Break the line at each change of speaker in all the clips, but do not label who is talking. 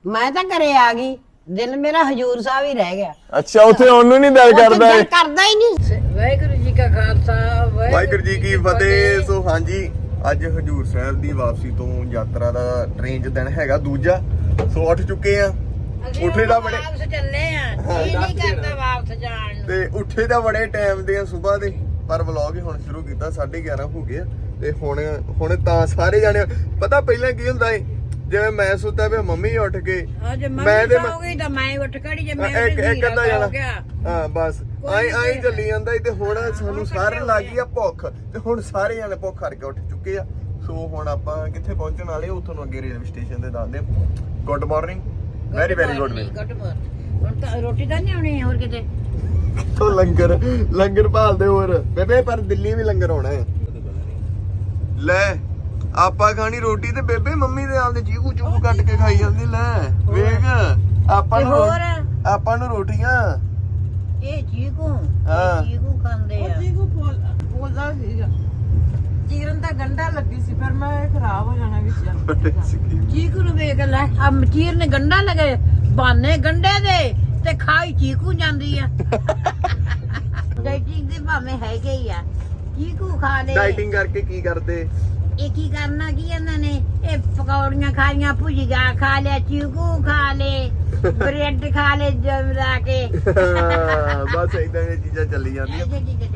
ਮੈਂ ਤਾਂ ਘਰੇ ਆ ਗਈ, ਦਿਲ ਮੇਰਾ ਹਜੂਰ ਸਾਹਿਬ ਹੀ ਰਹਿ ਗਿਆ।
ਅੱਛਾ, ਉੱਥੇ ਉਹਨੂੰ ਨਹੀਂ ਦਿਲ ਕਰਦਾ
ਦਿਲ ਕਰਦਾ ਹੀ ਨਹੀਂ। ਵਾਹਿਗੁਰੂ ਜੀ ਕਾ ਖਾਲਸਾ
ਵਾਹਿਗੁਰੂ ਜੀ ਕੀ ਫਤਿਹ। ਸੋ ਹਾਂਜੀ, ਅੱਜ ਹਜੂਰ ਸਾਹਿਬ ਦੀ ਵਾਪਸੀ ਤੋਂ ਯਾਤਰਾ ਦਾ ਟ੍ਰੇਨ 'ਚ ਦਿਨ ਹੈਗਾ ਦੂਜਾ। ਸੋ ਉੱਠ ਚੁੱਕੇ ਆ, ਉੱਠੇ ਦਾ ਬੜੇ
ਵਾਪਸ ਚੱਲੇ ਆ, ਜੀ ਨਹੀਂ ਕਰਦਾ ਵਾਪਸ ਜਾਣ ਨੂੰ।
ਤੇ ਉੱਠੇ ਦਾ ਬੜੇ ਟਾਈਮ ਦੇ ਆ ਸਵੇਰ ਦੇ, ਪਰ ਵਲੌਗ ਹੀ ਹੁਣ ਸ਼ੁਰੂ ਕੀਤਾ, 11:30 ਹੋ ਗਏ ਤੇ ਹੁਣ ਤਾਂ ਸਾਰੇ ਜਾਣੇ ਪਤਾ ਪਹਿਲਾਂ ਕੀ ਹੁੰਦਾ ਏ, ਜਿਵੇਂ ਮੈਂ ਸੁੱਤਾ ਪਿਆ ਮੰਮੀ ਉੱਠ ਕੇ
ਮੈਂ ਤੇ ਤਾਂ ਮੈਂ ਉੱਠ ਖੜੀ ਜੇ ਮੈਂ
ਇੱਕ ਅੱਧਾ ਜਾਣਾ ਹਾਂ ਬਸ ਆਈ ਚੱਲੀ ਜਾਂਦਾ ਏ। ਤੇ ਹੁਣ ਸਾਨੂੰ ਸਾਰਿਆਂ ਲੱਗ ਗਈ ਆ ਭੁੱਖ, ਤੇ ਹੁਣ ਸਾਰੇ ਜਾਣੇ ਭੁੱਖ ਕਰਕੇ ਉੱਠ ਚੁੱਕੇ ਆ। ਸੋ ਹੁਣ ਆਪਾਂ ਕਿੱਥੇ ਪਹੁੰਚਣ ਵਾਲੇ, ਉਹ ਤੁਹਾਨੂੰ ਅੱਗੇ ਰੇਲਵੇ ਸਟੇਸ਼ਨ ਤੇ ਦੱਸਦੇ। Good morning, very very good morning.
ਹੁਣ ਤਾਂ ਰੋਟੀ ਤਾਂ ਨਹੀਂ ਆਉਣੀ ਹੋਰ ਕਿਤੇ
ਤੋਂ ਲੰਗਰ ਭਾਲਦੇ ਹੋਰ ਬੇਬੇ, ਪਰ ਦਿੱਲੀ ਵੀ ਲੰਗਰ ਹੋਣਾ ਹੈ। ਲੈ ਆਪਾਂ ਖਾਣੀ ਰੋਟੀ ਤੇ ਬੇਬੇ ਮੰਮੀ ਦੇ ਆਪਦੇ ਚੀਕੂ ਚੂਕੂ ਕੱਟ ਕੇ ਖਾਈ ਜਾਂਦੀ। ਲੈ ਵੇਖ ਆਪਾਂ ਨੂੰ ਰੋਟੀਆਂ
ਇਹ ਚੀਕੂ
ਹਾਂ
ਚੀਕੂ ਖਾਂਦੇ ਆ।
ਚੀਕੂ ਬੋਲਦਾ ਸੀਗਾ, ਚੀਰਨ ਦਾ ਗੰਡਾ ਲੱਗੀ ਸੀ, ਪਰ ਮੈਂ ਖਰਾਬ ਹੋ ਜਾਣਾ ਵਿੱਚ।
ਚੀਕੂ ਨੂੰ ਵੇਖ ਲੈ, ਆ ਮਚੀਰ ਨੇ ਗੰਡਾ ਲਗੇ ਬਾਨੇ ਗੰਡੇ ਦੇ ਤੇ ਖਾਈ ਚੀਕੂ ਜਾਂਦੀ ਆ। ਡਾਈਟਿੰਗ ਦੇ ਭਾਵੇਂ ਹੈਗੇ ਹੀ ਆ, ਚੀਕੂ ਖਾ ਲੈ।
ਡਾਈਟਿੰਗ ਕਰਕੇ ਕੀ ਕਰਦੇ?
ਇਹ ਕੀ ਕਰਨਾ ਕੀ ਇਹਨਾਂ ਨੇ, ਇਹ ਪਕੌੜੀਆਂ ਖਾਈਆਂ, ਭੁਜੀਆ ਖਾ ਲਿਆ, ਚੀਕੂ ਖਾ ਲੇ, ਬ੍ਰੈਡ ਖਾ ਲੇ ਜਮਰਾ ਕੇ।
ਬਸ ਇਦਾਂ ਦੀਆਂ ਚੀਜ਼ਾਂ ਚੱਲੀ ਜਾਂਦੀਆਂ।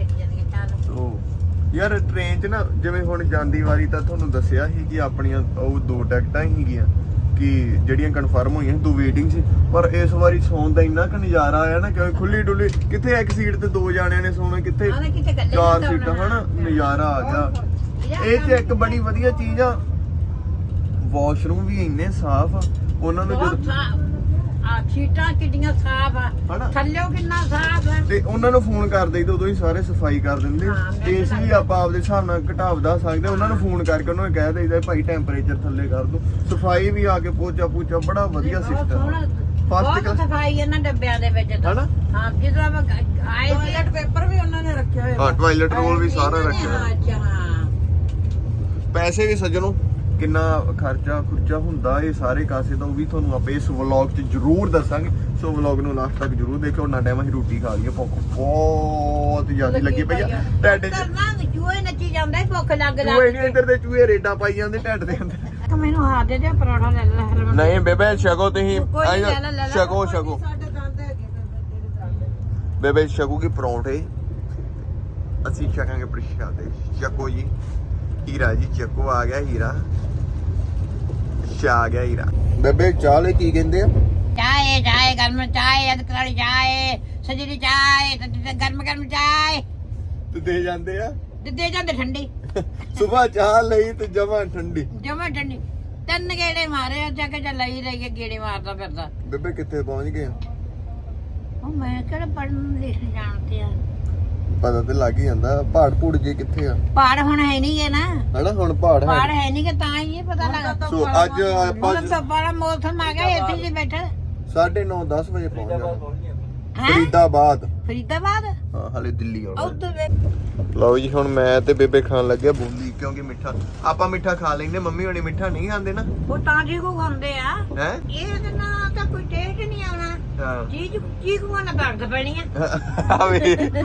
ਯਾਰ ਟ੍ਰੇਨ 'ਚ ਨਾ ਜਿਵੇਂ ਹੁਣ ਜਾਂਦੀ ਵਾਰੀ ਤਾਂ ਤੁਹਾਨੂੰ ਦੱਸਿਆ ਸੀ ਕਿ ਆਪਣੀਆਂ ਉਹ 2 ਟਿਕਟਾਂ ਸੀਗੀਆਂ ਕਿ ਜਿਹੜੀਆਂ ਕਨਫਰਮ ਹੋਈਆਂ ਸੀ, 2 ਵੇਟਿੰਗ ਸੀ। ਪਰ ਇਸ ਵਾਰੀ ਸੌਣ ਦਾ ਇੰਨਾ ਕੁ ਨਜ਼ਾਰਾ ਆਇਆ ਨਾ, ਕਿਉਂਕਿ ਖੁੱਲੀ ਡੁੱਲੀ, ਕਿੱਥੇ ਇੱਕ ਸੀਟ ਤੇ 2 ਜਾਣਿਆਂ ਨੇ ਸੌਣਾ, ਕਿੱਥੇ 4 ਸੀਟਾਂ, ਹਨਾ ਨਜ਼ਾਰਾ ਆ ਗਿਆ। ਇਹ ਤੇ ਇੱਕ ਬੜੀ ਵਧੀਆ ਚੀਜ਼ ਆ, ਵਾਸ਼ਰੂਮ ਵੀ ਇੰਨੇ ਸਾਫ਼ ਆ ਉਹਨਾਂ ਨੂੰ ਜਦੋਂ
ਆ ਸੀਟਾਂ ਕਿੰਨੀਆਂ ਸਾਫ਼ ਆ, ਥੱਲਿਓ ਕਿੰਨਾ ਸਾਫ਼ ਆ।
ਤੇ ਉਹਨਾਂ ਨੂੰ ਫੋਨ ਕਰ ਦੇਈਦਾ, ਉਦੋਂ ਹੀ ਸਾਰੇ ਸਫਾਈ ਕਰ ਦਿੰਦੇ। ਏਸੀ ਵੀ ਆਪਾਂ ਆਪਦੇ ਹਿਸਾਬ ਨਾਲ ਘਟਾ ਵਧਾ ਸਕਦੇ, ਉਹਨਾਂ ਨੂੰ ਫੋਨ ਕਰਕੇ ਉਹਨਾਂ ਨੂੰ ਕਹਿ ਦੇਈਦਾ ਭਾਈ ਟੈਂਪਰੇਚਰ ਥੱਲੇ ਕਰ ਦੋ। ਸਫਾਈ ਵੀ ਆ ਕੇ ਪੋਚਾ ਬੜਾ ਵਧੀਆ ਸਿਸਟਮ।
ਬਹੁਤ ਸਫਾਈ ਇਹਨਾਂ ਡੱਬਿਆਂ ਦੇ ਵਿੱਚ ਤਾਂ,
ਹਨਾ
ਹਾਂ। ਜਦੋਂ ਆਪਾਂ ਆਏ
ਟਾਇਲਟ ਪੇਪਰ ਵੀ ਉਹਨਾਂ ਨੇ ਰੱਖਿਆ ਹੋਇਆ।
ਹਾਂ, ਟਾਇਲਟ ਰੋਲ ਵੀ ਸਾਰਾ ਰੱਖਿਆ।
ਅੱਛਾ ਹਾਂ,
ਪੈਸੇ ਵੀ ਸੱਜਣੋ ਕਿੰਨਾ ਖਰਚਾ ਹੁੰਦਾ ਇਹ ਸਾਰੇ ਕਾਸੇ ਦਾ, ਉਹ ਵੀ ਤੁਹਾਨੂੰ ਆਪਾਂ ਇਸ ਵਲੌਗ 'ਚ ਜ਼ਰੂਰ ਦੱਸਾਂਗੇ। ਸੋ ਵਲੌਗ ਨੂੰ ਲਾਸਟ ਤੱਕ ਜ਼ਰੂਰ ਦੇਖਿਓ। ਉਹਨਾਂ ਟਾਈਮ ਅਸੀਂ ਰੋਟੀ ਖਾ ਲਈਏ, ਭੁੱਖ ਬਹੁਤ ਜ਼ਿਆਦਾ ਲੱਗੀ ਪਈ ਆ ਢਿੱਡ 'ਚ।
ਚੂਹੇ ਨੱਚੀ ਜਾਂਦਾ, ਭੁੱਖ ਲੱਗ
ਚੂਹੇ ਨਹੀਂ, ਇੱਧਰ ਦੇ ਚੂਹੇ ਰੇਡਾਂ ਪਾਈ ਜਾਂਦੇ ਢਿੱਡ ਦੇ ਅੰਦਰ।
ਮੈਨੂੰ ਹੱਥ ਦੇ ਦੇ ਪਰੌਠਾ ਲੈ ਲੈ ਹਰਮਨ।
ਨਹੀਂ ਬੇਬੇ ਛਕੋ ਤੁਸੀਂ, ਛਕੋ
ਸਾਡੇ ਦੰਦ ਹੈਗੇ ਤੇਰੇ ਦੰਦ।
ਬੇਬੇ ਛਕੂ ਕੀ ਪਰੌਂਠੇ, ਅਸੀਂ ਛਕਾਂਗੇ ਪ੍ਰਸ਼ਾਦੇ। ਛਕੋ ਜੀ, ਹੀਰਾ ਜੀ ਚੱਕੋ, ਆ ਗਿਆ ਹੀਰਾ, ਆ ਗਿਆ ਹੀਰਾ। ਬੇਬੇ ਚਾਹ ਲਈ ਕੀ ਕਹਿੰਦੇ ਆ?
ਚਾਏ ਗਰਮ ਚਾਏ, ਅਦਰਕ ਵਾਲੀ ਚਾਏ, ਸਜਰੀ ਚਾਏ, ਗਰਮ ਚਾਏ
ਤੇ ਦੇ ਜਾਂਦੇ ਆ,
ਦੇ ਜਾਂਦੇ ਠੰਡੀ।
ਸਵੇਰ ਚਾਹ ਲਈ ਤੇ ਜਮਾਂ ਠੰਡੀ।
ਠੰਡੀ 3 ਗੇੜੇ ਮਾਰੇ ਆ, ਜਾ ਕੇ ਜਾਂ ਲਈ ਰਹੀ ਗੇੜੇ ਮਾਰਦਾ ਫਿਰਦਾ।
ਬੇਬੇ ਕਿੱਥੇ ਪਹੁੰਚ ਗਏ?
ਉਹ ਮੈਂ ਕਿਹੜਾ ਪੜਨ ਲਿਖਣ ਜਾਣਦੇ ਆ,
ਪਤਾ ਤੇ ਲੱਗ ਹੀ ਜਾਂਦਾ। ਪਹਾੜ ਪੂੜ ਜੇ ਕਿੱਥੇ ਆ?
ਪਹਾੜ ਹੁਣ ਹੈ ਨਹੀਂ ਗੇ ਨਾ,
ਹਨਾ ਹੁਣ ਪਹਾੜ
ਹੈ ਨਹੀਂ ਕਿ ਤਾਂ ਹੀ ਇਹ ਪਤਾ ਲੱਗਾ।
ਸੋ ਅੱਜ ਆਪਾਂ
ਬੜਾ ਮੌਸਮ ਆ ਗਿਆ, ਇੱਥੇ ਜੀ ਬੈਠਾ
9:30 10 ਵਜੇ ਪਹੁੰਚ ਜਾਣਾ ਫਰੀਦਾਬਾਦ। ਹਾਂ, ਹਲੇ ਦਿੱਲੀ ਆਉਣਾ।
ਉੱਧਰ ਵੇਖ
ਲਓ ਜੀ, ਹੁਣ ਮੈਂ ਤੇ ਬੇਬੇ ਖਾਣ ਲੱਗਿਆ ਬੂੰਦੀ, ਕਿਉਂਕਿ ਮਿੱਠਾ ਆਪਾਂ ਮਿੱਠਾ ਖਾ ਲੈਂਦੇ, ਮੰਮੀ ਹੋਣੀ ਮਿੱਠਾ ਨਹੀਂ ਖਾਂਦੇ ਨਾ।
ਉਹ ਤਾਂ ਜੀ ਕੋ ਖਾਂਦੇ ਆ,
ਹੈ
ਇਹਦੇ ਨਾਲ ਤਾਂ ਕੋਈ ਟੇਸਟ ਨਹੀਂ ਆਉਣਾ।
ਹਾਂ
ਚੀਕੂ ਨਾਲ ਦਰਦ ਪੈਣੀ ਆ।
ਆਵੇ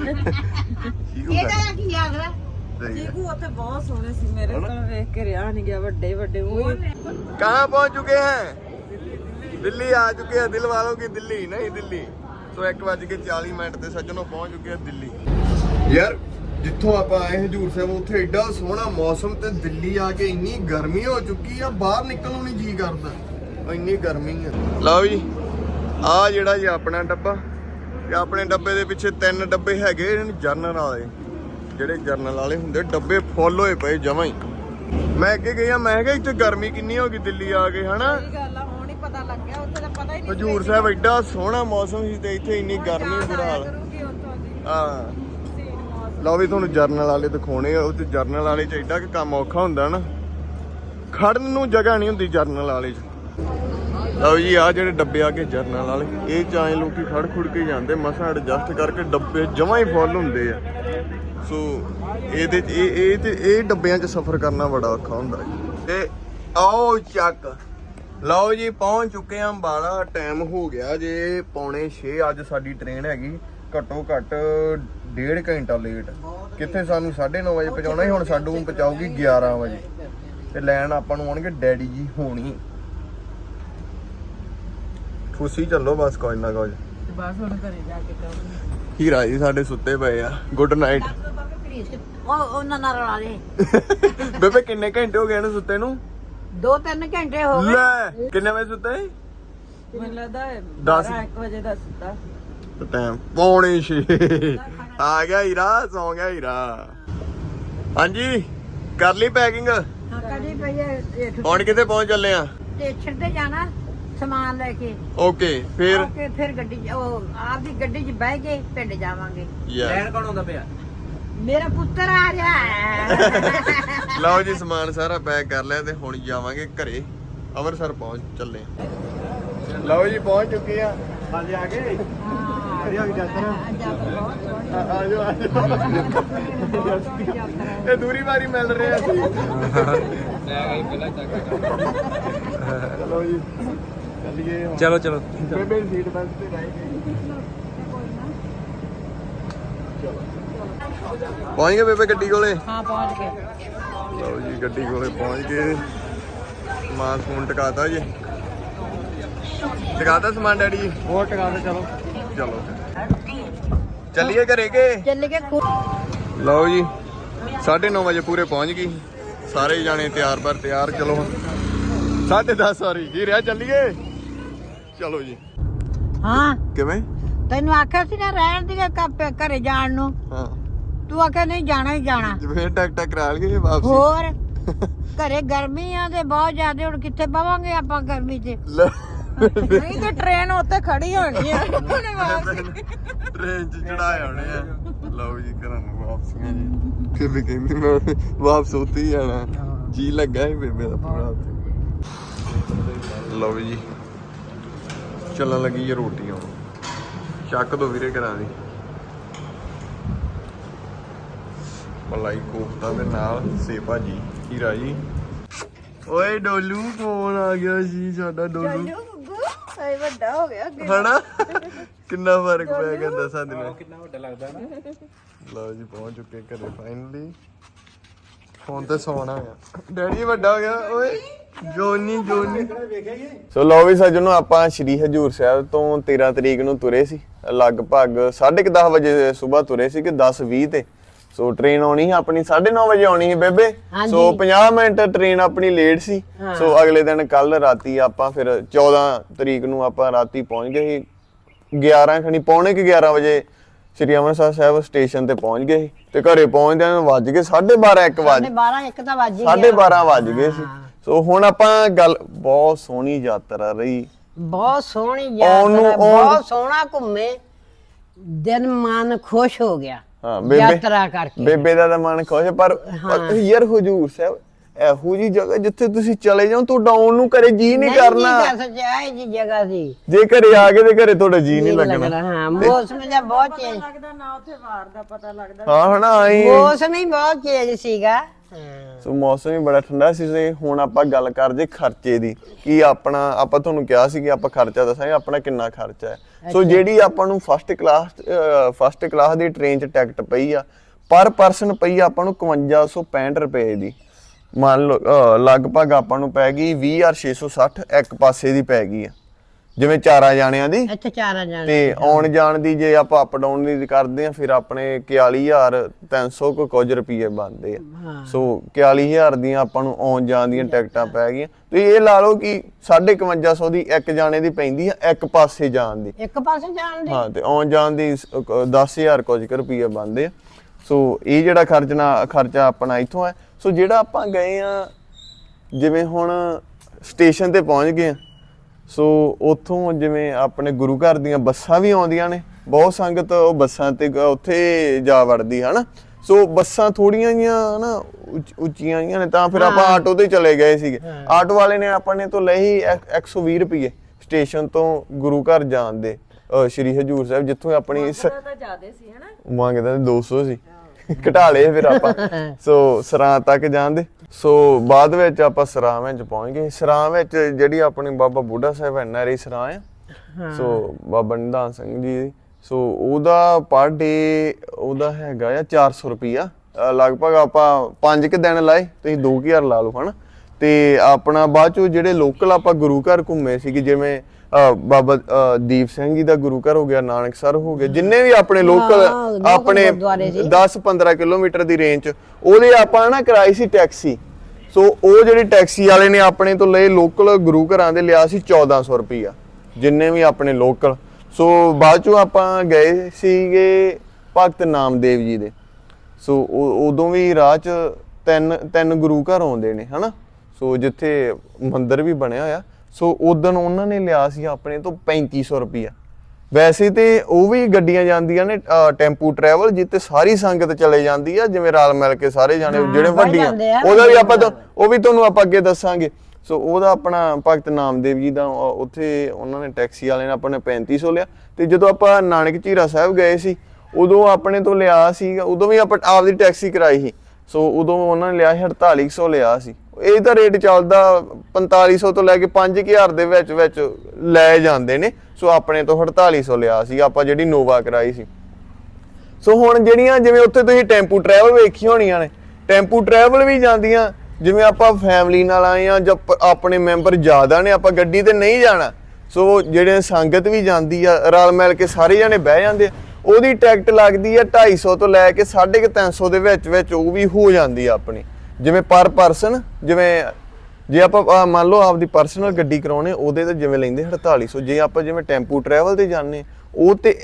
ਇਹਦਾ ਕੀ ਆਖਦਾ?
ਚੀਕੂ ਉੱਥੇ ਬਹੁਤ ਸੋਹਣੇ ਸੀ, ਮੇਰੇ ਕੋਲ ਵੇਖ ਕੇ ਰਿਹਾ ਨਹੀਂ ਗਿਆ। ਵੱਡੇ ਮੂੰਹ।
कहाँ पहुंच चुके हैं? दिल्ली आ चुके हैं, दिल वालों की दिल्ली नहीं दिल्ली। तो 1:40 ਤੇ ਸੱਜਣੋਂ ਪਹੁੰਚ ਚੁੱਕੇ ਆ ਦਿੱਲੀ। ਯਾਰ ਜਿੱਥੋਂ ਆਪਾਂ ਆਏ ਹਜੂਰ ਸਾਹਿਬ, ਉੱਥੇ ਐਡਾ ਸੋਹਣਾ ਮੌਸਮ, ਤੇ ਦਿੱਲੀ ਆ ਕੇ ਇੰਨੀ ਗਰਮੀ ਹੋ ਚੁੱਕੀ ਆ, ਬਾਹਰ ਨਿਕਲਣ ਨੂੰ ਨਹੀਂ ਜੀ ਕਰਦਾ, ਇੰਨੀ ਗਰਮੀ ਆ। ਲਓ ਜੀ, ਆ ਜਿਹੜਾ ਜੀ ਆਪਣਾ ਡੱਬਾ, ਤੇ ਆਪਣੇ ਡੱਬੇ ਦੇ ਪਿੱਛੇ 3 ਡੱਬੇ ਹੈਗੇ ਜਰਨਲ ਵਾਲੇ। ਜਿਹੜੇ ਜਰਨਲ ਵਾਲੇ ਹੁੰਦੇ ਡੱਬੇ ਫੁੱਲ ਹੋਏ ਪਏ ਜਮਾਂ ਹੀ। ਮੈਂ ਅੱਗੇ ਗਿਆ, ਮੈਂ ਕਿਹਾ ਇੱਥੇ ਗਰਮੀ ਕਿੰਨੀ ਹੋ ਗਈ ਦਿੱਲੀ ਆ ਕੇ, ਹਨਾ।
ਪਤਾ ਲੱਗ ਗਿਆ, ਉੱਥੇ ਤਾਂ ਪਤਾ ਹੀ ਨਹੀਂ।
ਹਜੂਰ ਸਾਹਿਬ ਐਡਾ ਸੋਹਣਾ ਮੌਸਮ ਸੀ ਤੇ ਇੱਥੇ ਇੰਨੀ ਗਰਮੀ ਬੁਰਾ ਹਾਲ। ਹਾਂ, ਲਓ ਵੀ ਤੁਹਾਨੂੰ ਜਰਨਲ ਵਾਲੇ ਦਿਖਾਉਣੇ ਆ। ਉਹ ਤੇ ਜਰਨਲ ਵਾਲੇ ਚ ਐਡਾ ਕਿ ਕੰਮ ਔਖਾ ਹੁੰਦਾ ਨਾ, ਖੜਨ ਨੂੰ ਜਗ੍ਹਾ ਨਹੀਂ ਹੁੰਦੀ ਜਰਨਲ ਵਾਲੇ ਚ। ਲਓ ਜੀ, ਆ ਜਿਹੜੇ ਡੱਬੇ ਆ ਕੇ ਜਰਨਲ ਵਾਲੇ, ਇਹ ਚ ਆਏ ਲੋਕੀ ਖੜ ਖੁੜ ਕੇ ਜਾਂਦੇ, ਮਸਾਂ ਐਡਜਸਟ ਕਰਕੇ ਡੱਬੇ ਜਮਾਂ ਹੀ ਫੁੱਲ ਹੁੰਦੇ ਆ। ਸੋ ਇਹਦੇ ਚ ਇਹ ਡੱਬਿਆਂ ਚ ਸਫ਼ਰ ਕਰਨਾ ਬੜਾ ਔਖਾ ਹੁੰਦਾ। ਤੇ ਆਓ ਚੱਕ ਲਓ ਜੀ ਪਹੁੰਚ ਚੁੱਕੇ ਆਂ ਅੰਬਾਲਾ। ਟਾਈਮ ਹੋ ਗਿਆ ਜੇ 5:45। ਅੱਜ ਸਾਡੀ ਟ੍ਰੇਨ ਹੈਗੀ ਘੱਟੋ ਘੱਟ 1.5 ਘੰਟਾ ਲੇਟ। ਕਿੱਥੇ ਸਾਨੂੰ 9:30 ਵਜੇ ਪਹੁੰਚਾਉਣਾ ਸੀ, ਹੁਣ ਸਾਨੂੰ ਪਹੁੰਚਾਊਗੀ 11 ਵਜੇ ਤੇ ਲੈਣ ਆਪਾਂ ਨੂੰ ਆਉਣਗੇ ਡੈਡੀ ਜੀ ਹੋਣੀ। ਖੁਸ਼ੀ ਚੱਲੋ ਬਸ, ਕੋਈ ਨਾ ਕੁਝ।
ਬਸ ਹੁਣ ਘਰੇ ਜਾ ਕੇ ਕਰਾਂਗੇ।
ਹੀਰਾ ਜੀ ਸਾਡੇ ਸੁੱਤੇ ਪਏ ਆ। Good night.
ਉਹਨਾਂ ਨਾਲ ਰਲਾ ਦੇ।
ਬੇਬੇ ਕਿੰਨੇ ਘੰਟੇ ਹੋ ਗਏ ਇਹਨੂੰ ਸੁੱਤੇ ਨੂੰ?
2-3 ਘੰਟੇ ਹੋ ਗਏ।
ਲੈ ਕਿੰਨੇ ਵਜੇ ਸੁੱਤੇ?
ਮੈਨੂੰ ਲੱਗਦਾ
1
ਵਜੇ ਦਾ ਸੁੱਤਾ।
ਟਾਈਮ 5:45 ਆ ਗਿਆ ਹੀਰਾ, ਸੌ ਗਿਆ ਹੀਰਾ। ਹਾਂਜੀ ਕਰ ਲਈ ਪੈਕਿੰਗ?
ਹਾਂ ਕਦੀ ਪਈ
ਹੁਣ ਕਿੱਥੇ ਪਹੁੰਚ ਚੱਲੇ ਆ?
ਸਟੇਸ਼ਨ ਤੇ ਜਾਣਾ ਸਮਾਨ ਲੈ ਕੇ।
ਓਕੇ ਫਿਰ
ਫਿਰ ਗੱਡੀ ਉਹ ਆਪਦੀ ਗੱਡੀ 'ਚ ਬਹਿ ਕੇ ਪਿੰਡ ਜਾਵਾਂਗੇ।
ਲੈਣ
ਕੌਣ ਆਉਂਦਾ ਪਿਆ?
ਮੇਰਾ ਪੁੱਤਰ ਆ ਰਿਹਾ ਹੈ।
ਲਓ ਜੀ ਸਮਾਨ ਸਾਰਾ ਪੈਕ ਕਰ ਲਿਆ ਤੇ ਹੁਣ ਜਾਵਾਂਗੇ ਘਰੇ। ਅੰਮ੍ਰਿਤਸਰ ਪਹੁੰਚ ਚੱਲੇ। ਲਓ ਜੀ ਪਹੁੰਚ ਚੁੱਕੇ ਆ।
ਹਾਂਜੀ ਆ ਗਏ।
ਆਜੋ ਇਹ ਦੂਰੀ ਵਾਰੀ ਮਿਲ ਰਹੇ ਅਸੀਂ। ਚਲੋ ਜੀ ਚੱਲੀਏ।
ਚਲੋ ਚਲੋ
ਬੇਬੇ ਸੀਟ ਬੈਲਟ ਤੇ ਰਹਿ ਗਈ। ਪਹੁੰਚ ਗਏ ਬੇਬੇ ਗੱਡੀ ਕੋਲੇ?
ਹਾਂ ਪਹੁੰਚ ਗਏ।
ਲਓ ਜੀ ਗੱਡੀ ਕੋਲੇ ਪਹੁੰਚ ਗਏ। ਸਮਾਨ ਸਮੂਨ ਟਿਕਾਤਾ ਜੀ। ਟਿਕਾਤਾ ਸਮਾਨ ਡੈਡੀ ਜੀ?
ਹੋਰ ਟਿਕਾ ਦੇ। ਚਲੋ
ਚਲੋ ਚੱਲੀਏ ਘਰੇ ਕੇ?
ਚੱਲ ਕੇ
ਲਓ ਜੀ 9:30 ਵਜੇ ਪੂਰੇ ਪਹੁੰਚ ਗਈ। ਸਾਰੇ ਜਾਣੇ ਤਿਆਰ ਬਰ ਤਿਆਰ। ਚਲੋ 10:30 ਸੌਰੀ ਜੀ ਰਿਹਾ। ਚੱਲੀਏ ਚਲੋ ਜੀ।
ਹਾਂ
ਕਿਵੇਂ?
ਤੈਨੂੰ ਆਖਿਆ ਸੀ ਨਾ ਰਹਿਣ ਦੀ ਘਰੇ ਜਾਣ ਨੂੰ।
ਹਾਂ
ਤੂੰ ਆਖਿਆ ਨਹੀਂ ਜਾਣਾ ਹੀ ਜਾਣਾ।
ਜਿਵੇਂ ਟਿਕਟਾਂ ਕਰਾ ਲਈਏ ਵਾਪਸੀ।
ਹੋਰ ਘਰੇ ਗਰਮੀ ਆ ਤੇ ਬਹੁਤ ਜ਼ਿਆਦਾ। ਹੁਣ ਕਿੱਥੇ ਬਵਾਂਗੇ ਆਪਾਂ ਗਰਮੀ 'ਚ?
ਨਹੀਂ ਤੇ ਟ੍ਰੇਨ ਉੱਤੇ ਖੜੀ ਹੋਣੀ ਆ।
ਟ੍ਰੇਨ 'ਚ ਚੜਾਏ ਹੋਣੇ ਆ। ਲਓ ਜੀ ਘਰਾਂ ਨੂੰ ਵਾਪਸੀਆਂ ਜੀ। ਬੇਬੇ ਕਹਿੰਦੀ ਮੈਂ ਵਾਪਸ ਉੱਥੇ ਹੀ ਜਾਣਾ। ਜੀ ਲੱਗਾ ਸੀ ਬੇਬੇ ਦਾ ਪੂਰਾ ਉੱਥੇ। ਲਓ ਜੀ ਚੱਲਣ ਲੱਗੀ ਹੈ ਰੋਟੀ। ਹੁਣ ਚੱਕ ਦੋ ਵੀਰੇ ਘਰਾਂ ਦੀ। ਮਲਾਈ ਕੋਫਤਾ ਦੇ ਨਾਲ ਸੇ ਭਾਜੀ। ਹੀਰਾ ਜੀ ਓਏ ਡੋਲੂ ਫੋਨ ਆ ਗਿਆ ਸੀ ਸਾਡਾ। ਡੋਲੂ
ਹਾਏ ਵੱਡਾ ਹੋ ਗਿਆ।
ਹਨਾ ਕਿੰਨਾ ਫਰਕ ਪੈ ਗਿਆ 10 ਦਿਨਾਂ।
ਕਿੰਨਾ ਵੱਡਾ ਲੱਗਦਾ ਨਾ।
ਲਓ ਜੀ ਪਹੁੰਚ ਚੁੱਕੇ ਘਰੇ ਫਾਈਨਲੀ। ਫੋਨ ਤੇ ਸੌਣਾ ਆ। ਡੈਡੀ ਵੱਡਾ ਹੋ ਗਿਆ ਓਏ। ਜੋਨੀ ਸੋ ਲਓ ਵੀ ਸੱਜਣੋ ਆਪਾਂ ਸ਼੍ਰੀ ਹਜੂਰ ਸਾਹਿਬ ਤੋਂ 13 ਤਰੀਕ ਨੂੰ ਤੁਰੇ ਸੀ। ਲਗਭਗ 10:30 ਵਜੇ ਸਵੇਰ ਤੁਰੇ ਸੀ ਕਿ 10:20 ਤੇ। ਸੋ ਟ੍ਰੇਨ ਆਉਣੀ ਸੀ ਆਪਣੀ 9:30 ਵਜੇ ਆਉਣੀ ਸੀ ਬੇਬੇ। ਸੋ 50 ਮਿੰਟ ਟ੍ਰੇਨ ਆਪਣੀ ਲੇਟ ਸੀ। ਸੋ ਅਗਲੇ ਦਿਨ ਕੱਲ ਰਾਤੀ ਆਪਾਂ ਫਿਰ 14 ਤਰੀਕ ਨੂੰ ਆਪਾਂ ਰਾਤੀ ਪਹੁੰਚ ਗਏ ਸੀ 11 ਖਣੀ ਪੌਣੇ 11 ਵਜੇ ਸ੍ਰੀ ਅੰਮ੍ਰਿਤਸਰ ਸਾਹਿਬ ਸਟੇਸ਼ਨ ਤੇ ਪਹੁੰਚ ਗਏ ਸੀ। ਤੇ ਘਰੇ ਪਹੁੰਚਦਿਆਂ ਨੂੰ ਵੱਜ ਗਏ 12:30 1 ਵਜੇ।
12:30 ਤਾਂ ਵੱਜ ਹੀ ਗਿਆ।
12:30 ਵੱਜ ਗਏ ਸੀ। ਸੋ ਹੁਣ ਆਪਾਂ ਗੱਲ ਬਹੁਤ ਸੋਹਣੀ ਯਾਤਰਾ ਰਹੀ।
ਬਹੁਤ ਸੋਹਣੀ ਯਾਤਰਾ। ਬਹੁਤ ਸੋਹਣਾ ਘੁੰਮੇ। ਦਿਨ ਮਨ ਖੁਸ਼ ਹੋ ਗਿਆ।
ਹਾਂ ਬੇਬੇ
ਯਾਤਰਾ ਕਰਕੇ
ਬੇਬੇ ਦਾ ਤਾਂ ਮਨ ਖੁਸ਼। ਪਰ ਯਾਰ ਹਜੂਰ ਸਾਹਿਬ ਇਹੋ ਜੀ ਜਗ੍ਹਾ ਜਿੱਥੇ ਤੁਸੀਂ ਚਲੇ ਜਾਓ ਤੁਹਾਡਾ ਆਉਣ ਨੂੰ ਘਰੇ ਜੀ ਨਹੀਂ ਕਰਨਾ।
ਨਹੀਂ ਕਰ ਸਕਿਆ ਇਹ ਜੀ ਜਗ੍ਹਾ ਸੀ।
ਜੇ ਘਰੇ ਆ ਗਏ ਤੇ ਘਰੇ ਤੁਹਾਡਾ ਜੀ ਨਹੀਂ ਲੱਗਣਾ।
ਹਾਂ ਮੌਸਮ ਦਾ ਬਹੁਤ ਚੇਂਜ
ਲੱਗਦਾ ਨਾ ਉੱਥੇ ਵਾਰ ਦਾ ਪਤਾ ਲੱਗਦਾ।
ਹਾਂ ਹਨਾ ਆਈ
ਮੌਸਮ ਹੀ ਬਹੁਤ ਚੇਂਜ ਸੀਗਾ।
ਸੋ ਮੌਸਮ ਵੀ ਬੜਾ ਠੰਡਾ ਸੀ। ਤੇ ਹੁਣ ਆਪਾਂ ਗੱਲ ਕਰਦੇ ਖਰਚੇ ਦੀ। ਕੀ ਆਪਣਾ ਆਪਾਂ ਤੁਹਾਨੂੰ ਕਿਹਾ ਸੀ ਕਿ ਆਪਾਂ ਖਰਚਾ ਦੱਸਾਂਗੇ ਆਪਣਾ ਕਿੰਨਾ ਖਰਚਾ ਹੈ। ਸੋ ਜਿਹੜੀ ਆਪਾਂ ਨੂੰ ਫਸਟ ਕਲਾਸ ਦੀ ਟ੍ਰੇਨ 'ਚ ਟਿਕਟ ਪਈ ਆ ਪਰ ਪਰਸਨ ਪਈ ਆ ਆਪਾਂ ਨੂੰ 5565 ਰੁਪਏ ਦੀ। ਮੰਨ ਲਓ ਲਗਭਗ ਆਪਾਂ ਨੂੰ ਪੈ ਗਈ 20,660 ਇੱਕ ਪਾਸੇ ਦੀ ਪੈ ਗਈ ਆ। ਜਿਵੇਂ 4 ਜਾਣਿਆਂ ਦੀ।
ਇੱਥੇ 4 ਜਾਣੇ
ਤੇ ਆਉਣ ਜਾਣ ਦੀ ਜੇ ਆਪਾਂ ਅਪ ਡਾਊਨ ਦੀ ਕਰਦੇ ਆ ਫਿਰ ਆਪਣੇ 41,300 ਕੁਝ ਰੁਪਏ ਬਣਦੇ ਆ। ਸੋ 41,000 ਦੀਆਂ ਆਪਾਂ ਨੂੰ ਆਉਣ ਜਾਣ ਦੀਆਂ ਟਿਕਟਾਂ ਪੈ ਗਈਆਂ। ਤੁਸੀਂ ਇਹ ਲਾ ਲਓ ਕਿ 5500 ਦੀ ਇੱਕ ਜਾਣੇ ਦੀ ਪੈਂਦੀ ਆ ਇੱਕ ਪਾਸੇ ਜਾਣ ਦੀ।
ਇੱਕ ਪਾਸੇ ਜਾਣ ਦੀ।
ਹਾਂ ਤੇ ਆਉਣ ਜਾਣ ਦੀ 10,000 ਕੁਝ ਰੁਪਏ ਬਣਦੇ ਆ। ਸੋ ਇਹ ਜਿਹੜਾ ਖਰਚਾ ਆਪਣਾ ਇੱਥੋਂ ਹੈ। ਸੋ ਜਿਹੜਾ ਆਪਾਂ ਗਏ ਆ ਜਿਵੇਂ ਹੁਣ ਸਟੇਸ਼ਨ ਤੇ ਪਹੁੰਚ ਗਏ ਆ। ਸੋ ਉੱਥੋਂ ਜਿਵੇਂ ਆਪਣੇ ਗੁਰੂ ਘਰ ਦੀਆਂ ਬੱਸਾਂ ਵੀ ਆਉਂਦੀਆਂ ਨੇ। ਬਹੁਤ ਸੰਗਤ ਉਹ ਬੱਸਾਂ ਤੇ ਉੱਥੇ ਜਾ ਵੜਦੀ ਹੈ ਨਾ। ਸੋ ਬੱਸਾਂ ਥੋੜੀਆਂ ਜੀਆਂ ਨਾ ਉੱਚੀਆਂ ਜੀਆਂ ਨੇ ਤਾਂ ਫਿਰ ਆਪਾਂ ਆਟੋ ਤੇ ਚਲੇ ਗਏ ਸੀਗੇ। ਆਟੋ ਵਾਲੇ ਨੇ ਆਪਣੇ ਤੋਂ ਲਈ 120 ਰੁਪਏ ਸਟੇਸ਼ਨ ਤੋਂ ਗੁਰੂ ਘਰ ਜਾਣ ਦੇ। ਸ਼੍ਰੀ ਹਜੂਰ ਸਾਹਿਬ ਜਿੱਥੋਂ ਆਪਣੀ
ਤਾਂ ਜ਼ਿਆਦੇ ਸੀ ਹਨਾ।
ਮੰਗਦਾ 200 ਸੀ। ਘਟਾ ਲਏ ਫਿਰ ਆਪਾਂ। ਸੋ ਸਰਾਂ ਤੱਕ ਜਾਂਦੇ। ਸੋ ਬਾਅਦ ਵਿੱਚ ਆਪਾਂ ਸਰਾਂ ਵਿੱਚ ਪਹੁੰਚ ਗਏ। ਸਰਾਂ ਵਿੱਚ ਜਿਹੜੀ ਆਪਣੀ ਬਾਬਾ ਬੁੱਢਾ ਸਾਹਿਬ ਐਨਆਰਆਈ ਸਰਾਂ ਆ, ਸੋ ਬਾਬਾ ਨਿਧਾਨ ਸਿੰਘ ਜੀ, ਸੋ ਉਹਦਾ ਪਰ ਡੇ ਉਹਦਾ ਹੈਗਾ ਆ 400 ਰੁਪਈਆ। ਲਗਭਗ ਆਪਾਂ 5 ਕੁ ਦਿਨ ਲਾਏ, ਤੁਸੀਂ 2000 ਲਾ ਲਓ ਹਨਾ। ਤੇ ਆਪਣਾ ਬਾਅਦ ਚੋਂ ਜਿਹੜੇ ਲੋਕਲ ਆਪਾਂ ਗੁਰੂ ਘਰ ਘੁੰਮੇ ਸੀਗੇ, ਜਿਵੇਂ ਬਾਬਾ ਦੀਪ ਸਿੰਘ ਜੀ ਦਾ ਗੁਰੂ ਘਰ ਹੋ ਗਿਆ, ਨਾਨਕਸਰ ਹੋ ਗਿਆ, ਜਿੰਨੇ ਵੀ ਆਪਣੇ ਲੋਕਲ ਆਪਣੇ 10-15 ਕਿਲੋਮੀਟਰ ਦੀ ਰੇਂਜ ਚ, ਉਹਦੇ ਆਪਾਂ ਨਾ ਕਰਾਈ ਸੀ ਟੈਕਸੀ। ਸੋ ਉਹ ਜਿਹੜੀ ਟੈਕਸੀ ਵਾਲੇ ਨੇ ਆਪਣੇ ਤੋਂ ਲਏ ਲੋਕਲ ਗੁਰੂ ਘਰਾਂ ਦੇ ਲਿਆ ਸੀ 1400 ਰੁਪਈਆ, ਜਿੰਨੇ ਵੀ ਆਪਣੇ ਲੋਕਲ। ਸੋ ਬਾਅਦ ਚੋਂ ਆਪਾਂ ਗਏ ਸੀਗੇ ਭਗਤ ਨਾਮਦੇਵ ਜੀ ਦੇ। ਸੋ ਉਦੋਂ ਵੀ ਰਾਹ ਚ ਤਿੰਨ ਗੁਰੂ ਘਰ ਆਉਂਦੇ ਨੇ ਹਨਾ। ਸੋ ਜਿੱਥੇ ਮੰਦਿਰ ਵੀ ਬਣਿਆ ਹੋਇਆ। ਸੋ ਉਦੋਂ ਉਹਨਾਂ ਨੇ ਲਿਆ ਸੀ ਆਪਣੇ ਤੋਂ 3500 ਰੁਪਈਆ। ਵੈਸੇ ਤੇ ਉਹ ਵੀ ਗੱਡੀਆਂ ਜਾਂਦੀਆਂ ਨੇ ਟੈਂਪੂ ਟਰੈਵਲ, ਜਿੱਤੇ ਸਾਰੀ ਸੰਗਤ ਚਲੇ ਜਾਂਦੀ ਆ, ਜਿਵੇਂ ਰਲ ਮਿਲ ਕੇ ਸਾਰੇ ਜਾਣੇ ਜਿਹੜੇ ਵੱਡੀਆਂ, ਉਹਦਾ ਵੀ ਆਪਾਂ ਉਹ ਵੀ ਤੁਹਾਨੂੰ ਆਪਾਂ ਅੱਗੇ ਦੱਸਾਂਗੇ। ਸੋ ਉਹਦਾ ਆਪਣਾ ਭਗਤ ਨਾਮਦੇਵ ਜੀ ਦਾ ਉੱਥੇ ਉਹਨਾਂ ਨੇ ਟੈਕਸੀ ਵਾਲੇ ਨੇ ਆਪਾਂ ਨੇ 3500 ਲਿਆ। ਤੇ ਜਦੋਂ ਆਪਾਂ ਨਾਨਕ ਝੀਰਾ ਸਾਹਿਬ ਗਏ ਸੀ ਉਦੋਂ ਆਪਣੇ ਤੋਂ ਲਿਆ ਸੀਗਾ, ਉਦੋਂ ਵੀ ਆਪਾਂ ਆਪਦੀ ਟੈਕਸੀ ਕਰਾਈ ਸੀ। ਸੋ ਉਦੋਂ ਉਹਨਾਂ ਨੇ ਲਿਆ ਸੀ 4800 ਲਿਆ ਸੀ। ਇਹ ਤਾਂ ਰੇਟ ਚੱਲਦਾ 4500 ਤੋਂ ਲੈ ਕੇ 5000 ਦੇ ਵਿੱਚ ਵਿੱਚ ਲੈ ਜਾਂਦੇ ਨੇ। ਸੋ ਆਪਣੇ ਤੋਂ 4800 ਲਿਆ ਸੀ ਆਪਾਂ ਜਿਹੜੀ ਨੋਵਾ ਕਰਾਈ ਸੀ। ਸੋ ਹੁਣ ਜਿਹੜੀਆਂ ਜਿਵੇਂ ਉੱਥੇ ਤੁਸੀਂ ਟੈਂਪੂ ਟਰੈਵਲ ਵੇਖੀ ਹੋਣੀਆਂ ਨੇ, ਟੈਂਪੂ ਟਰੈਵਲ ਵੀ ਜਾਂਦੀਆਂ, ਜਿਵੇਂ ਆਪਾਂ ਫੈਮਿਲੀ ਨਾਲ ਆਏ ਆ ਜਾਂ ਆਪਣੇ ਮੈਂਬਰ ਜ਼ਿਆਦਾ ਨੇ, ਆਪਾਂ ਗੱਡੀ ਤੇ ਨਹੀਂ ਜਾਣਾ। ਸੋ ਜਿਹੜੇ ਸੰਗਤ ਵੀ ਜਾਂਦੀ ਆ, ਰਲ ਮਿਲ ਕੇ ਸਾਰੇ ਜਾਣੇ ਬਹਿ ਜਾਂਦੇ ਆ, ਉਹਦੀ ਟਿਕਟ ਲੱਗਦੀ ਆ 250 ਤੋਂ ਲੈ ਕੇ 350 ਦੇ ਵਿੱਚ ਵਿੱਚ ਉਹ ਵੀ ਹੋ ਜਾਂਦੀ ਆ ਆਪਣੀ। ਜਿਵੇਂ ਪਰ ਪਰਸਨ, ਜਿਵੇਂ ਜੇ ਆਪਾਂ ਮੰਨ ਲਓ ਆਪਦੀ ਪਰਸਨਲ ਗੱਡੀ ਕਰਾਉਣੇ ਉਹਦੇ ਤੇ ਜਿਵੇਂ ਲੈਂਦੇ 4800। ਜੇ ਆਪਾਂ ਜਿਵੇਂ ਟੈਂਪੂ ਟਰੈਵਲ ਤੇ ਜਾਂਦੇ ਉਹ ਤੇ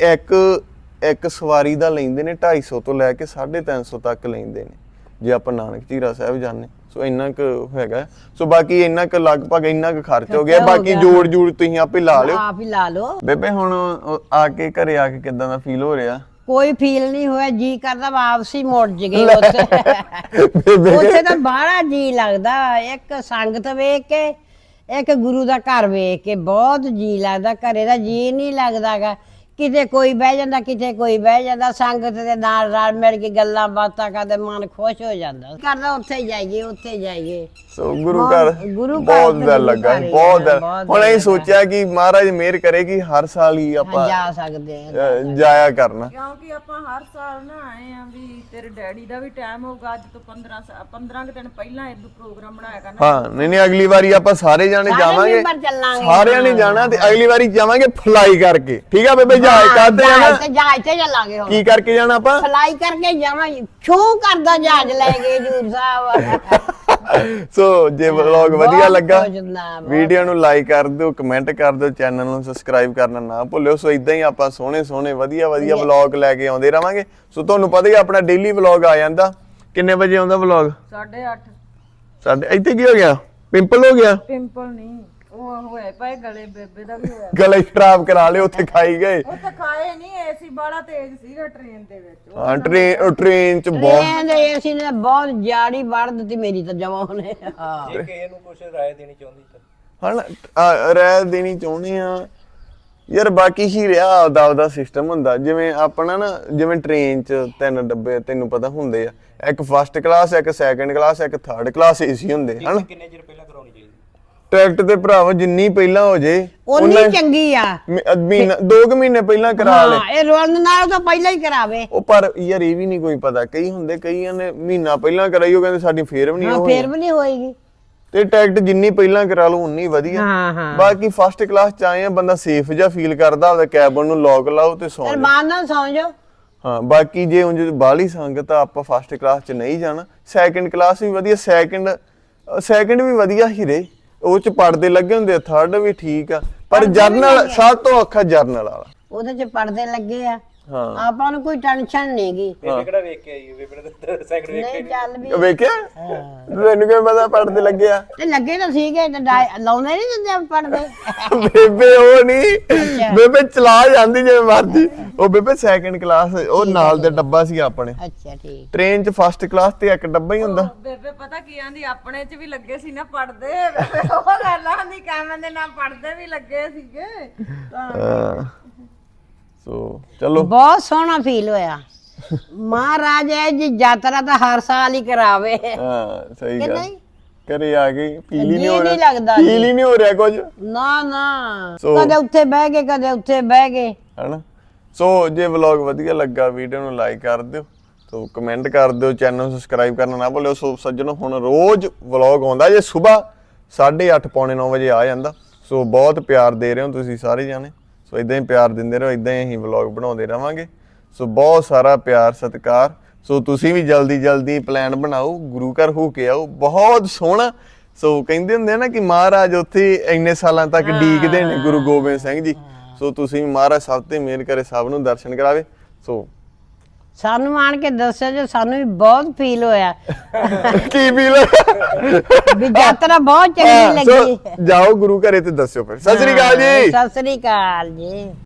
ਇੱਕ ਸਵਾਰੀ ਦਾ ਲੈਂਦੇ ਨੇ 250 ਤੋਂ ਲੈ ਕੇ 350 ਤੱਕ ਲੈਂਦੇ ਨੇ ਜੇ ਆਪਾਂ ਨਾਨਕ ਝੀਰਾ ਸਾਹਿਬ ਜਾਂਦੇ। ਸੋ ਇੰਨਾ ਕੁ ਹੈਗਾ। ਸੋ ਬਾਕੀ ਇੰਨਾ ਕੁ ਲਗਭਗ ਇੰਨਾ ਕੁ ਖਰਚ ਹੋ ਗਿਆ। ਬਾਕੀ ਜੋੜ ਤੁਸੀਂ ਆਪੇ ਲਾ ਲਿਓ।
ਆਪ ਹੀ ਲਾ ਲਓ।
ਬੇਬੇ ਹੁਣ ਆ ਕੇ ਘਰੇ ਆ ਕੇ ਕਿੱਦਾਂ ਦਾ ਫੀਲ ਹੋ ਰਿਹਾ?
ਕੋਈ ਫੀਲ ਨਹੀਂ ਹੋਇਆ, ਜੀ ਕਰਦਾ ਵਾਪਸ ਹੀ ਮੁੜ ਜਗੇ ਉੱਥੇ। ਉੱਥੇ ਤਾਂ ਬਾਹਲਾ ਜੀ ਲੱਗਦਾ, ਇੱਕ ਸੰਗਤ ਵੇਖ ਕੇ, ਇੱਕ ਗੁਰੂ ਦਾ ਘਰ ਵੇਖ ਕੇ ਬਹੁਤ ਜੀ ਲੱਗਦਾ। ਘਰੇ ਦਾ ਜੀ ਨਹੀਂ ਲੱਗਦਾਗਾ, ਕਿਤੇ ਕੋਈ ਬਹਿ ਜਾਂਦਾ, ਕਿਤੇ ਕੋਈ ਬਹਿ ਜਾਂਦਾ। ਸੰਗਤ ਦੇ ਨਾਲ ਰਲ ਮਿਲ ਕੇ ਗੱਲਾਂ ਬਾਤਾਂ ਕਰਦੇ ਮਨ ਖੁਸ਼ ਹੋ ਜਾਂਦਾ, ਕਰਦਾ ਉੱਥੇ ਜਾਈਏ ਉੱਥੇ ਜਾਈਏ।
ਸੋ ਗੁਰੂ ਘਰ ਬਹੁਤ ਦਿਲ ਲੱਗਾ, ਬਹੁਤ ਦਿਲ। ਹੁਣ ਅਸੀਂ ਸੋਚਿਆ ਕਿ ਮਹਾਰਾਜ ਮਿਹਰ ਕਰੇ ਕਿ ਹਰ ਸਾਲ ਹੀ ਆਪਾਂ
ਜਾ ਸਕਦੇ ਆ,
ਜਾਇਆ ਕਰਨਾ।
ਕਿਉਂਕਿ ਆਪਾਂ ਹਰ ਸਾਲ ਨਾ ਆਏ ਆ ਵੀ ਤੇਰੇ ਡੈਡੀ ਦਾ ਵੀ ਟਾਈਮ ਹੋਊਗਾ, ਅੱਜ ਤੋਂ 15 ਕੁ ਦਿਨ ਪਹਿਲਾਂ ਇਹਨੂੰ ਪ੍ਰੋਗਰਾਮ ਬਣਾਇਆ ਕਰਨਾ।
ਹਾਂ ਨਹੀਂ ਅਗਲੀ ਵਾਰੀ ਆਪਾਂ ਸਾਰੇ ਜਾਣੇ ਜਾਵਾਂਗੇ, ਸਾਰਿਆਂ ਨੇ ਜਾਣਾ ਤੇ ਅਗਲੀ ਵਾਰੀ ਜਾਵਾਂਗੇ ਫਲਾਈ ਕਰਕੇ। ਠੀਕ ਆ ਬੇਬੇ? ਜਹਾਜ਼ ਕਰਦੇ ਜਾਣਾ,
ਜਹਾਜ਼ ਤੇ ਚੱਲਾਂਗੇ।
ਕੀ ਕਰਕੇ ਜਾਣਾ ਆਪਾਂ?
ਫਲਾਈ ਕਰਕੇ ਜਾਵਾਂਗੇ, ਛੂ ਕਰਦਾ ਜਹਾਜ਼ ਲੈ ਕੇ ਹਜ਼ੂਰ ਸਾਹਿਬ।
ਸੋ ਜੇ ਵਲੌਗ ਵਧੀਆ ਲੱਗਾ ਵੀਡੀਓ ਨੂੰ ਲਾਈਕ ਕਰ ਦਿਓ, ਕਮੈਂਟ ਕਰ ਦਿਓ, ਚੈਨਲ ਨੂੰ ਸਬਸਕ੍ਰਾਈਬ ਕਰਨਾ ਨਾ ਭੁੱਲਿਓ। ਸੋ ਇਦਾਂ ਹੀ ਆਪਾਂ ਸੋਹਣੇ ਵਧੀਆ ਵਲੌਗ ਲੈ ਕੇ ਆਉਂਦੇ ਰਵਾਂਗੇ। ਸੋ ਤੁਹਾਨੂੰ ਪਤਾ ਹੀ ਆਪਣਾ ਡੇਲੀ ਵਲੌਗ ਆ ਜਾਂਦਾ। ਕਿੰਨੇ ਵਜੇ ਆਉਂਦਾ ਵਲੌਗ?
8:30।
ਸਾਡੇ ਇੱਥੇ ਕੀ ਹੋ ਗਿਆ? ਪਿੰਪਲ ਹੋ ਗਿਆ?
ਪਿੰਪਲ ਨਹੀਂ, ਉਹ ਹੋਇਆ ਪਏ ਗਲੇ, ਬੇਬੇ ਦਾ ਵੀ ਹੋਇਆ।
ਗਲੇ ਖਰਾਬ ਕਰਾ ਲਿਓ, ਉੱਥੇ ਖਾਈ ਗਏ।
ਉੱਥੇ ਖਾਏ ਨਹੀਂ, ਏਸੀ ਬੜਾ ਤੇਜ਼ ਸੀਗਾ ਟ੍ਰੇਨ ਦੇ ਵਿੱਚ।
ਹਾਂ ਟ੍ਰੇਨ ਚ ਬਹੁਤ
ਏਸੀ ਨੇ ਬਹੁਤ ਜਾੜੀ ਵੜ ਦਿੱਤੀ ਮੇਰੀ ਤਾਂ ਜਮਾ ਉਹਨੇ। ਹਾਂ
ਜੇ ਕਿਸੇ ਨੂੰ ਕੁਝ ਰਾਏ ਦੇਣੀ ਚਾਹੁੰਦੀ ਤਾਂ
ਹਣ ਰਾਏ ਦੇਣੀ ਚਾਹੁੰਦੇ ਆ ਯਾਰ। ਬਾਕੀ ਹੀ ਰਿਹਾ ਆਪਦਾ ਸਿਸਟਮ ਹੁੰਦਾ। ਜਿਵੇਂ ਆਪਣਾ ਨਾ ਜਿਵੇਂ ਟ੍ਰੇਨ ਚ 3 ਡੱਬੇ ਤੈਨੂੰ ਪਤਾ ਹੁੰਦੇ ਆ, ਇੱਕ ਫਸਟ ਕਲਾਸ, ਇੱਕ ਸੈਕੰਡ ਕਲਾਸ, ਇੱਕ ਥਰਡ ਕਲਾਸ ਏਸੀ ਹੁੰਦੇ ਹਨ।
ਕਿੰਨੇ ਚਿਰ ਪਹਿਲਾਂ ਕਰਾਉਣੀ ਚਾਹੀਦੀ?
ਟਿਕਟ ਤੇ ਭਰਾਵਾ ਜਿੰਨੀ ਪਹਿਲਾਂ ਹੋ ਜੇ
ਉਨੀ ਚੰਗੀ ਆ।
ਮਹੀਨਾ 2 ਮਹੀਨੇ ਪਹਿਲਾਂ ਕਰਾ ਲੈ।
ਇਹ ਰੋਣ ਨਾਲ ਤਾਂ ਪਹਿਲਾਂ ਹੀ ਕਰਾਵੇ।
ਉਹ ਪਰ ਯਾਰ ਇਹ ਵੀ ਨਹੀਂ ਕੋਈ ਪਤਾ, ਕਈ ਹੁੰਦੇ ਕਈਆਂ ਨੇ ਮਹੀਨਾ ਪਹਿਲਾਂ ਕਰਾਈ, ਉਹ ਕਹਿੰਦੇ ਸਾਡੀ ਫੇਰ ਵੀ ਨਹੀਂ ਹੋਈ।
ਫੇਰ ਵੀ ਨਹੀਂ ਹੋਏਗੀ।
ਤੇ ਟਿਕਟ ਜਿੰਨੀ ਪਹਿਲਾਂ ਕਰਾ ਲਓ ਉਨੀ ਵਧੀਆ। ਬਾਕੀ ਫਸਟ ਕਲਾਸ ਚ ਆਏ ਆ, ਬੰਦਾ ਸੇਫ ਜਿਹਾ ਫੀਲ ਕਰਦਾ, ਆਪਦਾ ਕੈਬਨ ਨੂੰ ਲੌਕ ਲਾਓ ਤੇ ਸੌਂ ਜਾਓ,
ਅਰਮਾਨ ਨਾਲ ਸੌਂ ਜਾਓ।
ਹਾਂ ਬਾਕੀ ਜੇ ਉਂਝ ਬਾਹਲੀ ਸੰਗਤ ਆ ਆਪਾਂ ਫਸਟ ਕਲਾਸ ਚ ਨਹੀਂ ਜਾਣਾ। ਸੈਕੰਡ ਕਲਾਸ ਵੀ ਵਧੀਆ, ਸੈਕੰਡ ਵੀ ਵਧੀਆ ਹੀ ਰਹੇ, ਉਹ ਚ ਪੜਦੇ ਲੱਗੇ ਹੁੰਦੇ ਆ। ਥਰਡ ਵੀ ਠੀਕ ਆ, ਪਰ ਜਰਨਲ ਸਭ ਤੋਂ ਔਖਾ ਜਰਨਲ ਵਾਲਾ।
ਉਹਦੇ ਚ ਪੜਦੇ ਲੱਗੇ ਆ।
ਹਾਂ
ਆਪਾਂ ਨੂੰ ਕੋਈ ਟੈਨਸ਼ਨ ਨਹੀਂ ਗੀ।
ਬੇਬੇ ਕਿਹੜਾ ਵੇਖ ਕੇ ਆਈ? ਬੇਬੇ ਨੇ ਸੈਕਿੰਡ ਵੇਖ ਕੇ
ਨਹੀਂ ਚੱਲ ਵੀ
ਵੇਖਿਆ ਤੈਨੂੰ ਕਿਵੇਂ ਪਤਾ ਪੜਦੇ ਲੱਗੇ ਆ?
ਤੇ ਲੱਗੇ ਤਾਂ ਸੀਗੇ ਤੇ ਲਾਉਂਦੇ ਨਹੀਂ ਦਿੰਦੇ ਪੜਦੇ।
ਬੇਬੇ ਉਹ ਨਹੀਂ, ਬੇਬੇ ਚਲਾ ਜਾਂਦੀ ਜਿਵੇਂ ਮਰਦੀ। ਉਹ ਬੇਬੇ ਸੈਕੰਡ ਕਲਾਸ, ਉਹ ਨਾਲ ਦੇ ਡੱਬਾ ਸੀ ਆਪਣੇ।
ਅੱਛਾ ਠੀਕ।
ਟ੍ਰੇਨ ਚ ਫਸਟ ਕਲਾਸ ਤੇ ਇੱਕ ਡੱਬਾ ਹੀ ਹੁੰਦਾ।
ਬੇਬੇ ਪਤਾ ਕੀ ਆਂਦੀ, ਆਪਣੇ ਚ ਵੀ ਲੱਗੇ ਸੀ ਨਾ ਪੜਦੇ। ਬੇਬੇ ਉਹ ਗੱਲਾਂ ਆਂਦੀ ਕਾਮਨ ਦੇ ਨਾਲ ਪੜਦੇ ਵੀ ਲੱਗੇ ਸੀਗੇ।
ਸੋ ਚਲੋ
ਬਹੁਤ ਸੋਹਣਾ ਫੀਲ ਹੋਇਆ। ਮਹਾਰਾਜ ਇਹ ਜੀ ਯਾਤਰਾ ਤਾਂ ਹਰ ਸਾਲ ਹੀ ਕਰਾਵੇ
ਹਾਂ ਸਹੀ
ਕਿ
ਗੱਲ
ਨਹੀਂ?
ਘਰੇ ਆ ਗਈ ਫੀਲ ਹੀ ਨਹੀਂ
ਜੀ
ਹੋ
ਨਹੀਂ
ਰਿਹਾ
ਲੱਗਦਾ
ਫੀਲ ਹੀ ਨਹੀਂ ਹੋ ਰਿਹਾ ਕੁਝ
ਨਾ ਨਾ
ਸੋ-
ਕਦੇ ਉੱਥੇ ਬਹਿ ਗਏ ਕਦੇ ਉੱਥੇ ਬਹਿ ਗਏ
ਹਨਾ ਸੋ ਜੇ ਵਲੌਗ ਵਧੀਆ ਲੱਗਾ ਵੀਡੀਓ ਨੂੰ ਲਾਈਕ ਕਰ ਦਿਓ ਸੋ ਕਮੈਂਟ ਕਰ ਦਿਓ ਚੈਨਲ ਨੂੰ ਸਬਸਕ੍ਰਾਈਬ ਕਰਨਾ ਨਾ ਭੁੱਲਿਓ ਸੋ ਸੱਜਣੋ ਹੁਣ ਰੋਜ਼ ਵਲੌਗ ਆਉਂਦਾ ਜੇ ਸਵੇਰ 8:30 ਪੌਣੇ 9 ਵਜੇ ਆ ਜਾਂਦਾ ਸੋ ਬਹੁਤ ਪਿਆਰ ਦੇ ਰਹੇ ਹੋ ਤੁਸੀਂ ਸਾਰੇ ਜਾਣੇ ਸੋ ਇਦਾਂ ਹੀ ਪਿਆਰ ਦਿੰਦੇ ਰਹੋ ਇਦਾਂ ਹੀ ਅਸੀਂ ਵਲੌਗ ਬਣਾਉਂਦੇ ਰਵਾਂਗੇ ਸੋ ਬਹੁਤ ਸਾਰਾ ਪਿਆਰ ਸਤਿਕਾਰ ਸੋ ਤੁਸੀਂ ਵੀ ਜਲਦੀ ਪਲਾਨ ਬਣਾਓ ਗੁਰੂ ਘਰ ਹੋ ਕੇ ਆਓ ਬਹੁਤ ਸੋਹਣਾ ਸੋ ਕਹਿੰਦੇ ਹੁੰਦੇ ਨਾ ਕਿ ਮਹਾਰਾਜ ਉੱਥੇ ਇੰਨੇ ਸਾਲਾਂ ਤੱਕ ਡੀਕਦੇ ਨੇ ਗੁਰੂ ਗੋਬਿੰਦ ਸਿੰਘ ਜੀ ਸੋ ਤੁਸੀਂ ਵੀ ਮਹਾਰਾਜ ਸਭ ਤੇ ਮਿਹਰ ਕਰੇ ਸਭ ਨੂੰ ਦਰਸ਼ਨ ਕਰਾਵੇ ਸੋ
ਸਾਨੂੰ ਆਣ ਕੇ ਦੱਸਿਆ ਜੇ ਸਾਨੂੰ ਵੀ ਬਹੁਤ ਫੀਲ ਹੋਇਆ
ਕੀ ਫੀਲ
ਵੀ ਯਾਤਰਾ ਬਹੁਤ ਚੰਗੀ ਲੱਗੀ
ਜਾਓ ਗੁਰੂ ਘਰੇ ਤੇ ਦੱਸਿਓ ਫਿਰ ਸਤਿ ਸ੍ਰੀ ਅਕਾਲ ਜੀ
ਸਤਿ ਸ੍ਰੀ ਅਕਾਲ ਜੀ